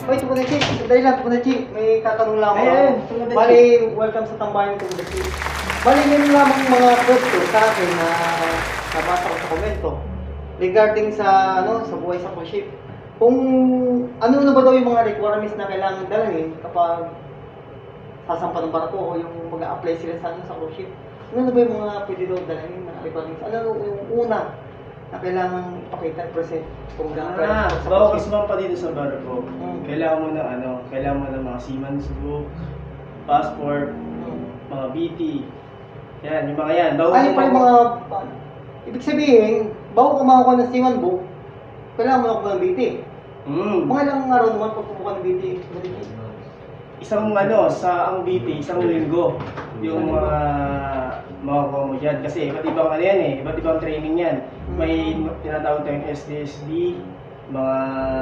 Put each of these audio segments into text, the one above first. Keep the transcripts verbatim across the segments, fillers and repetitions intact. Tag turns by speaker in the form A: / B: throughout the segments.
A: Hoy, Tukunachi, sandali lang, Tukunachi. May tatanong lang ako.
B: Ayan, Tukunachi.
A: Bali, welcome sa tambayan, Tukunachi. Bali, meron lamang mga kwento sa akin na nabasa ko sa komento regarding sa, ano, sa buhay sa cruise ship. Kung ano na ba daw yung mga requirements na kailangan dalhin kapag sasampa ng barko o yung mag-a-apply sila sa, ano, sa cruise ship. Ano na ba yung mga pwede daw dalhin na requirements? Ano yung una na kailangan ipakita, present kung
B: Ah,
A: sa
B: bago
A: cruise
B: ka
A: ship?
B: sumampa dito sa barko,
A: Hmm.
B: kailangan mo ng ano, kailangan mo ng mga seaman's book, passport,
A: Hmm.
B: mga B T. Yan, yung mga yan. Bago
A: Ano
B: mo
A: pa yung mga... Ibig sabihin, bago kumakuha ng Seaman Book, kailangan mo na kuha ng B T.
B: Mm.
A: Mga ilang araw naman pag kumuha ng B T.
B: Isang ano, sa ang B T, isang linggo. Yung mga makukuha mo dyan. Kasi iba't ibang ano yan eh, iba't ibang training yan. May tinatawag tayong S D S D, mga...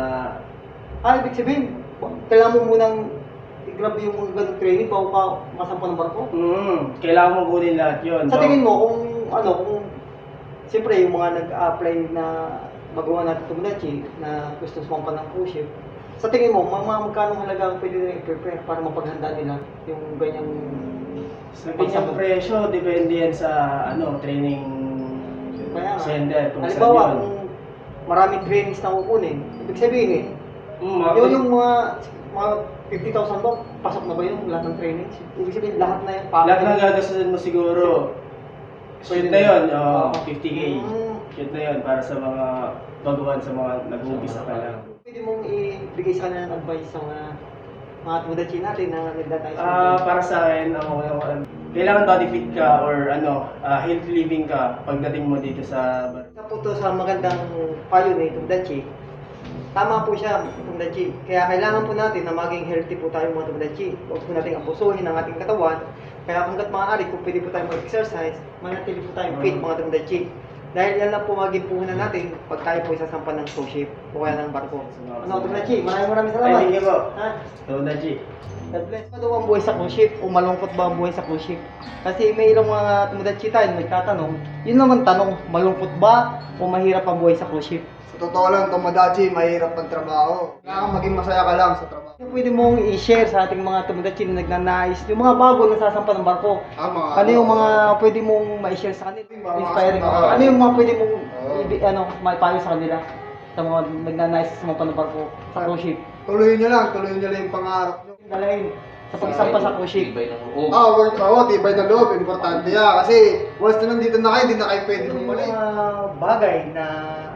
A: Ah, ibig sabihin, kailangan mo munang i-grab yung mga ganong training bago ka masampa ng barko?
B: Mm, kailangan mo kunin lahat yun.
A: Sa tingin mo, kung ano, kung... Siyempre, yung mga nag-apply na magawa natin Tukunachi na gusto sumampa ng cruise ship, sa tingin mo, mga mga magkano halaga ang pwede nila i-prepare para mapaghanda nila yung ganyang...
B: Sa ganyang presyo, depende yan sa ano, training
A: Kaya nga.
B: sender. Kung saan
A: Halimbawa,
B: yun.
A: kung maraming trainings na kukunin, ibig sabihin,
B: Mm, mga-
A: yun yung mga, mga fifty thousand ba, pasok na ba yung lahat ng trainings? Ibig sabihin, lahat na yan,
B: lahat ng gagastusin mo siguro, shoot na yun, oh,
A: Oo.
B: fifty K.
A: Mm.
B: Shoot na yun para sa mga baguhan sa mga nag-uumpisa pa lang.
A: Pwede mong ibigay sa kanila ng advice sa mga mga tudachi natin na nagdatayo
B: Ah, para sa akin, ang ang- kailangan body fit ka or ano, ah, healthy living ka pagdating mo dito sa bar.
A: Isa po to sa magandang payo ni Tudachi. Tama po siya, Tudachi. Kaya kailangan po natin na maging healthy po tayo mga Tudachi. Huwag po natin abusuhin ang ating katawan. Kaya hanggat maaari, kung pwede po tayo mag-exercise, manatili po tayong fit mga Tudachi. Dahil yan lang po maging puhunan natin pag tayo po isasampa ng cruise ship o kaya ng barko. Ano, Tudachi? Maraming maraming salamat.
B: Ay, thank you po.
A: Ha?
B: So, Daji.
A: God bless. Ano ang buhay sa cruise ship? O malungkot ba ang buhay sa cruise ship? Kasi may ilang mga tumudachi tayo na nagtatanong, yun naman tanong, malungkot ba o mahirap ang buhay sa cruise ship?
C: Sa totoo lang, Tomodachi, mahirap ang trabaho. Kailangan maging masaya ka lang sa trabaho.
A: Ano pwede mong i-share sa ating mga tumudachi na nagnanais, yung mga bago na sasampa ng barko?
C: Tama.
A: Ano yung mga pwede mong ma-share sa kanila?
C: Mga
A: Inspiring.
C: kasambahay.
A: Ano yung mga pwede mong
C: Oo.
A: ibi- ano, maipayo sa kanila? Sa mga nagnanais sa mga ng barko sa cruise ship?
C: Tuloy nyo lang, tuloy nyo lang yung pangarap nyo.
A: Dalahin sa pagsampa sa cruise ship.
D: Tibay ng loob.
C: Ah, work, oo, tibay ng loob, importante yan. Kasi once na nandito na kayo, hindi na kayo pwede
A: Ano yung
C: bumalik.
A: mga bagay na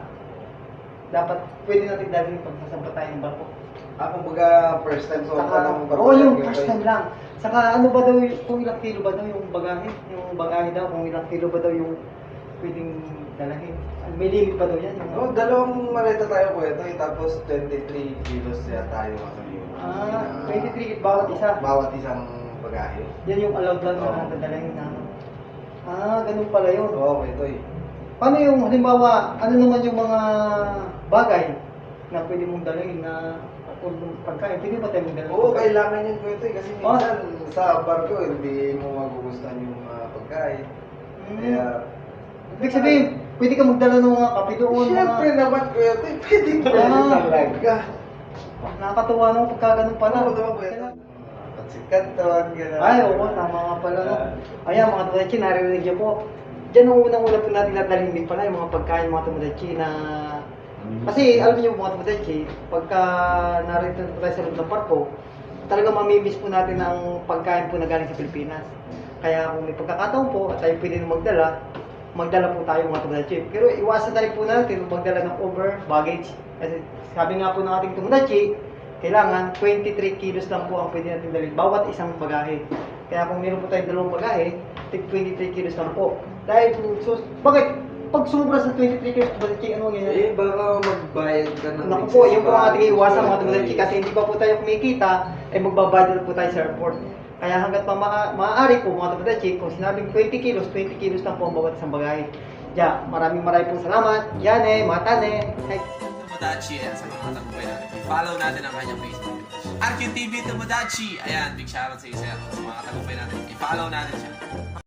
A: dapat pwede natin dalhin pag sasampa tayo ng barko?
C: Ah, kumbaga first time so
A: Saka, oo, yung first time lang. Saka ano ba daw, y- kung ilang kilo ba daw yung bagahe? Yung bagahe daw, kung ilang kilo ba daw yung pwedeng dalahin? May limit ba daw yan? Yung,
E: Oh, dalawang maleta tayo po ito, eh, tapos twenty-three kilos siya tayo kasi yung
A: ah, twenty-three bawat isa.
E: bawat isang bagahe.
A: Yan yung allowed lang na
E: Oo.
A: dadalhin na ano. Ah, ganun pala yun.
E: Oo, ito eh.
A: Paano yung, halimbawa, ano naman yung mga bagay na pwede mong dalhin na kung pagkain, pwede ba tayo magdala?
E: Oo, kailangan yung kwento eh, kasi
A: Oh.
E: minsan sa barko hindi mo magugustuhan yung mga pagkain.
A: Hmm.
E: Kaya,
A: Ibig sabihin, pwede ka magdala ng mga kape doon,
E: siyempre
A: mga...
E: naman kuya ito, eh, pwede pwede
A: Ah.
E: talaga.
A: Nakakatuwa nung pagka ganun pala.
E: Oo, naman kuya ito. Pansit Canton, gano'n.
A: Ay, oo, tama nga pala. No? Ayan, mga tumadatsi, narinig niyo po. Diyan ang unang-una po natin nadalhin din pala yung mga pagkain, mga tumadatsi na... Kasi alam niyo mga tumadatsi, pagka narito po tayo sa loob ng parko, talaga mamimiss po natin ang pagkain po na galing sa Pilipinas. Kaya kung may pagkakataon po at tayo pwede na magdala, magdala po tayo mga tumadatsi. Pero iwasan na rin po natin magdala ng over baggage. Kasi sabi nga po ng ating tumadatsi, kailangan twenty-three kilos lang po ang pwede natin dalhin bawat isang bagahe. Kaya kung meron po tayong dalawang bagahe, tig twenty-three kilos lang po. Dahil, so, bakit? Pag sobra sa twenty-three kilos, tumadatsi, ano ang
E: Eh, baka magbayad ka ng
A: Naku po, yun po ang ating iwasan mga tumadatsi kasi hindi pa po tayo kumikita, ay magbabudget po tayo sa airport. Kaya hanggat pa maa maaari po mga tumadatsi, kung sinabing twenty kilos, twenty kilos lang po ang bawat isang bagahe. Yeah, maraming maraming po salamat. Yane, Matane. Hey.
D: Tomodachi, ayan, sa mga tagumpay natin. I-follow natin ang kanyang Facebook page. R Q T V Tomodachi, ayan, big shoutout sa iyo, sir. Sa mga tagumpay natin, i-follow natin siya.